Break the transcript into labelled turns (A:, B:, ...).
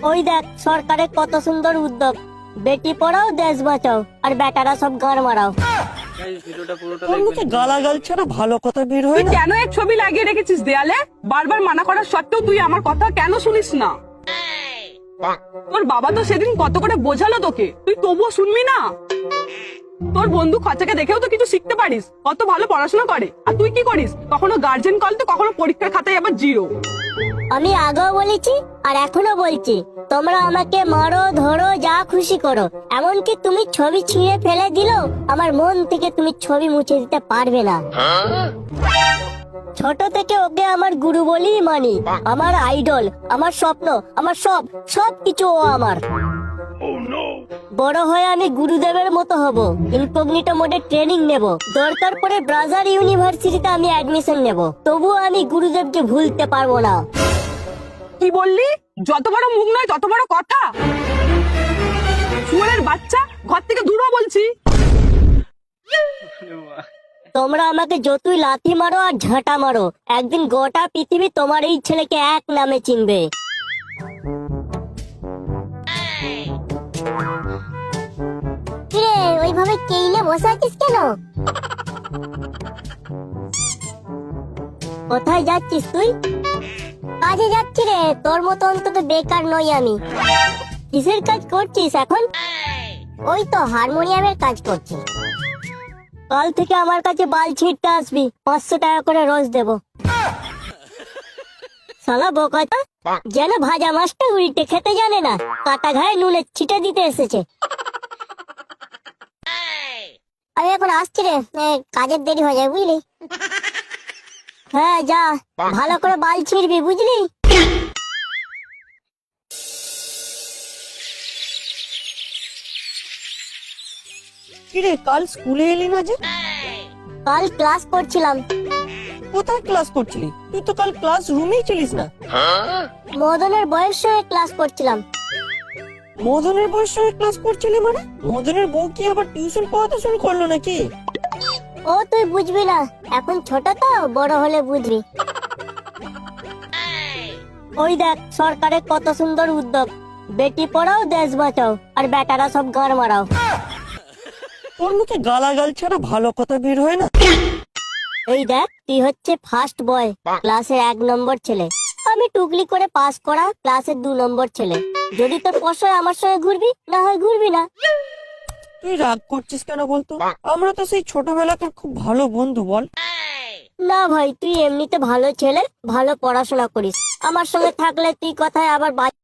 A: ওই দেখ সরকারের কত সুন্দর উদ্যোগ, বেটি পড়াও দেশ বাঁচাও আর বেটারা সব গান মারাও।
B: তোর মুখে গালাগাল ছাড়া ভালো কথা বের হয়
C: তুই
B: না।
C: কেন এক ছবি লাগিয়ে রেখেছিস দেয়ালে? বারবার মানা করার সত্ত্বেও তুই আমার কথা কেন শুনিস না? তোর বাবা তো সেদিন কত করে বোঝালো তোকে, তুই তবুও শুনবি না? তোর বন্ধু খচাকে দেখেও তো কিছু শিখতে পারিস, কত ভালো পড়াশোনা করে। আর তুই কি করিস? কখনো গার্জেন কল তো কখনো পরীক্ষার খাতায় আবার জিরো।
A: আমি আগেও বলেছি আর এখনো বলছি, তোমরা আমাকে মারো ধরো যা খুশি করো, এমনকি তুমি ছবি ছিঁড়ে ফেলে দিলেও আমার মন থেকে তুমি ছবি মুছে দিতে পারবে না। ছোট থেকে ওকে আমার গুরু বলেই মানি, আমার আইডল, আমার স্বপ্ন, আমার সব কিছু ও আমার। বড় হয়ে আমি গুরুদেবের মতো হব, ইনকগনিটো মোডে ট্রেনিং নেব, দরকার পড়ে ব্রাজার ইউনিভার্সিটিতে আমি অ্যাডমিশন নেব, তবুও আমি গুরুদেবকে ভুলতে পারবো না।
C: কি বললি? যত বড় মুখ নয় তত বড় কথা। শুয়োরের বাচ্চা, ঘর থেকে দূর হ বলছি।
A: তোমরা আমাকে যতই লাথি মারো আর ঝাঁটা মারো, একদিন গোটা পৃথিবী তোমার এই ছেলেকে এক নামে চিনবে। কিরে ওইভাবে কেইলে বসে আছিস কেন? কোথায় যাচ্ছিস তুই? কাজে যাচ্ছি রে, তোর মতো অন্তত বেকার নই আমি। কিসের কাজ করছিস এখন? ওই তো হারমোনিয়ামের কাজ করছি। কাল থেকে আমার কাছে বাল ছিঁড়তে আসবি, 500 টাকা করে রোজ দেবো। শালা বোকাটা যেন ভাজা মাছটা উল্টে খেতে জানে না, কাটা ঘায়ে নুনে ছিটে দিতে এসেছে। আমি এখন আসছি রে, কাজের দেরি হয়ে যায় বুঝলি। হ্যাঁ যা, ভালো করে বাল ছিঁড়বি বুঝলি।
B: কিরে কাল স্কুলে এলি না যে?
A: কাল ক্লাস করছিলাম।
B: কোথায় ক্লাস করছিলি? তুই তো কাল ক্লাস রুমেই ছিলিস না।
A: মদনের বয়স সঙ্গে ক্লাস করছিলাম।
B: মদনের বয়স সঙ্গে ক্লাস করছিলি মানে? মদনের বউ কি আবার টিউশন পড়াতে শুরু করলো নাকি?
A: ও তুই বুঝবি না, এখন ছোট তো, বড় হলে বুঝবি। ওই দেখ সরকারের কত সুন্দর উদ্যোগ, বেটি পড়াও দেশ বাঁচাও আর বেটারা সব গান মারাও।
B: তোর মুখে গালাগাল ছাড়া ভালো কথা বের হয় না।
A: এই দেখ তুই হচ্ছে ফার্স্ট বয়, ক্লাসের 1 নম্বর ছেলে। আমি টুকলি করে পাস করা ক্লাসের 2 নম্বর ছেলে। যদি তোর পছন্দ আমার সঙ্গে ঘুরবি, না হয় ঘুরবি না।
B: তুই রাগ করছিস কেন বলতো? আমরা তো সেই ছোটবেলাকার খুব ভালো বন্ধু বল।
A: না ভাই, তুই এমনিতে ভালো ছেলে, ভালো পড়াশোনা করিস, আমার সঙ্গে থাকলে তুই কথায় আবার